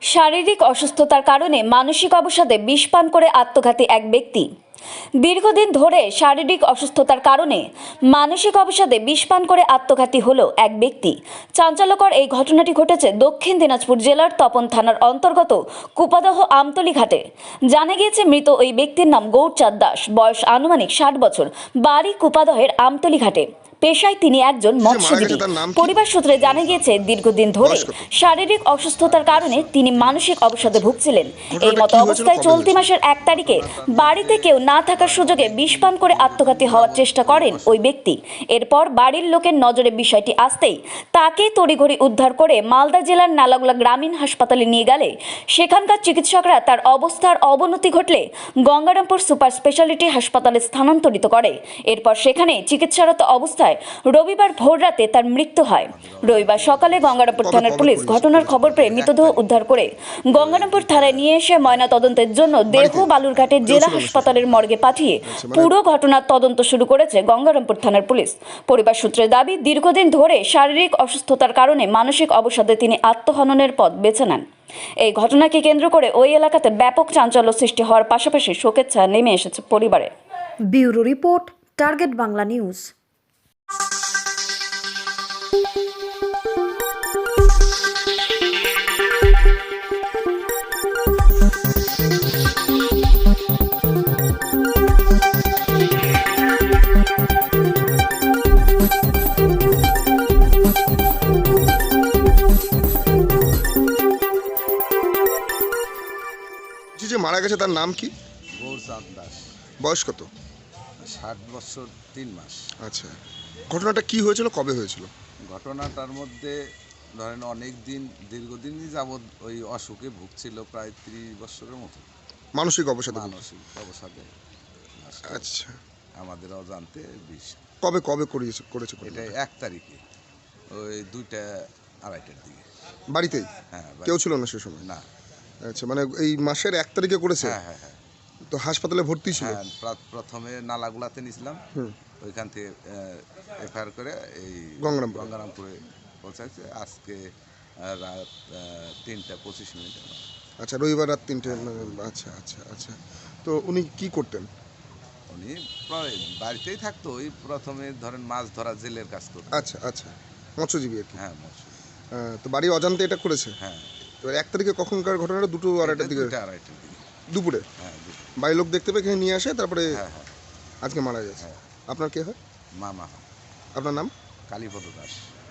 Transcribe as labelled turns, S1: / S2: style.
S1: শারীরিক অসুস্থতার কারণে মানসিক অবসাদে বিষ পান করে আত্মঘাতী এক ব্যক্তি। দীর্ঘদিন ধরে শারীরিক অসুস্থতার কারণে মানসিক অবসাদে বিষ পান করে আত্মঘাতী হলো এক ব্যক্তি। চাঞ্চল্যকর এই ঘটনাটি ঘটেছে দক্ষিণ দিনাজপুর জেলার তপন থানার অন্তর্গত কুপাদহ আমতলী ঘাটে। জানা গিয়েছে মৃত ওই ব্যক্তির নাম গৌরচাঁদ দাস, বয়স আনুমানিক 60 বছর, বাড়ি কুপাদহের আমতলী ঘাটে। পেশায় তিনি একজন মৎস্যজীবী। পরিবার সূত্রে জানা গিয়েছে দীর্ঘদিন ধরে শারীরিক অসুস্থতার কারণে তিনি মানসিক অবসাদে ভুগছিলেন। এই মতো অবস্থায় চলতি মাসের 1 তারিখে বাড়িতে কেউ না থাকার সুযোগে বিষ পান করে আত্মঘাতী হওয়ার চেষ্টা করেন ওই ব্যক্তি। এরপর বাড়ির লোকের নজরে বিষয়টি আসতেই তাকে তড়িঘড়ি উদ্ধার করে মালদা জেলার নালাগোলা গ্রামীণ হাসপাতালে নিয়ে গেলে সেখানকার চিকিৎসকরা তার অবস্থার অবনতি ঘটলে গঙ্গারামপুর সুপার স্পেশালিটি হাসপাতালে স্থানান্তরিত করে। এরপর সেখানে চিকিৎসারত অবস্থায় রবিবার ভোররাতে তার মৃত্যু হয়। রবিবার সকালে গঙ্গারামপুর থানার পুলিশ ঘটনার খবর পেয়ে মৃতদেহ উদ্ধার করে গঙ্গারামপুর থানায় নিয়ে এসে ময়নাতদন্তের জন্য দেহ বালুরঘাটের জেলা হাসপাতালের মর্গে পাঠিয়ে পুরো ঘটনার তদন্ত শুরু করেছে গঙ্গারামপুর থানার পুলিশ। পরিবার সূত্রের দাবি, দীর্ঘদিন ধরে শারীরিক অসুস্থতার কারণে মানসিক অবসাদে তিনি আত্মহননের পথ বেছে নেন। এই ঘটনাকে কেন্দ্র করে ওই এলাকাতে ব্যাপক চাঞ্চল্য সৃষ্টি হওয়ার পাশাপাশি শোকের ছায়া নেমে এসেছে পরিবারে।
S2: Bureau report, target Bangla news.
S3: যে মারা গেছে তার নাম কি?
S4: গৌরচাঁদ দাস।
S3: বয়স কত?
S4: 60 বছর 3 মাস।
S3: আচ্ছা, ঘটনাটা কি হয়েছিল, কবে হয়েছিল?
S4: ঘটনাটার মধ্যে ধরেন অনেক দিন, দীর্ঘদিনই যাবৎ ওই অসুখে ভুগছিল, প্রায় 30 বছরের মতো।
S3: মানসিক অবসাদে?
S4: মানসিক অবসাদে।
S3: আচ্ছা,
S4: আমাদের অজান্তে বিষ।
S3: কবে কবে করেছে?
S4: এটা 1 তারিখে ওই 2টা 2:30টার দিকে।
S3: বাড়িতেই?
S4: হ্যাঁ।
S3: কেউ ছিল না সে সময়?
S4: না।
S3: আচ্ছা, মানে এই মাসের 1 তারিখে করেছে?
S4: হ্যাঁ হ্যাঁ হ্যাঁ।
S3: তো হাসপাতালে ভর্তি ছিল?
S4: হ্যাঁ, প্রথমে নালাগুলাতে নিয়েছিলাম, ওইখান থেকে এফআইআর করে এই গঙ্গারামপুরে পৌঁছাচ্ছে আজকে রাত 3:25।
S3: আচ্ছা, রবিবার রাত 3টে। আচ্ছা আচ্ছা আচ্ছা। তো উনি কি করতেন?
S4: উনি বাড়িতেই থাকতো, ওই প্রথমে ধরেন মাছ ধরা, জেলের কাজ করতো।
S3: আচ্ছা আচ্ছা, মৎস্যজীবী আর কি?
S4: হ্যাঁ, মৎস্য।
S3: তো বাড়ি অজান্তে এটা করেছে?
S4: হ্যাঁ।
S3: এবার 1 তারিখে কখনকার ঘটনাটা? 2টো 2:30টার দিকে?
S4: 2টা 2:30টার দিকে
S3: দুপুরে?
S4: হ্যাঁ।
S3: বাড়ির লোক দেখতে পেয়ে এখানে নিয়ে আসে, তারপরে
S4: হ্যাঁ হ্যাঁ।
S3: আজকে মারা গেছে। আপনার কে হয়?
S4: মামা।
S3: আপনার নাম?
S4: কালীপদ দাস।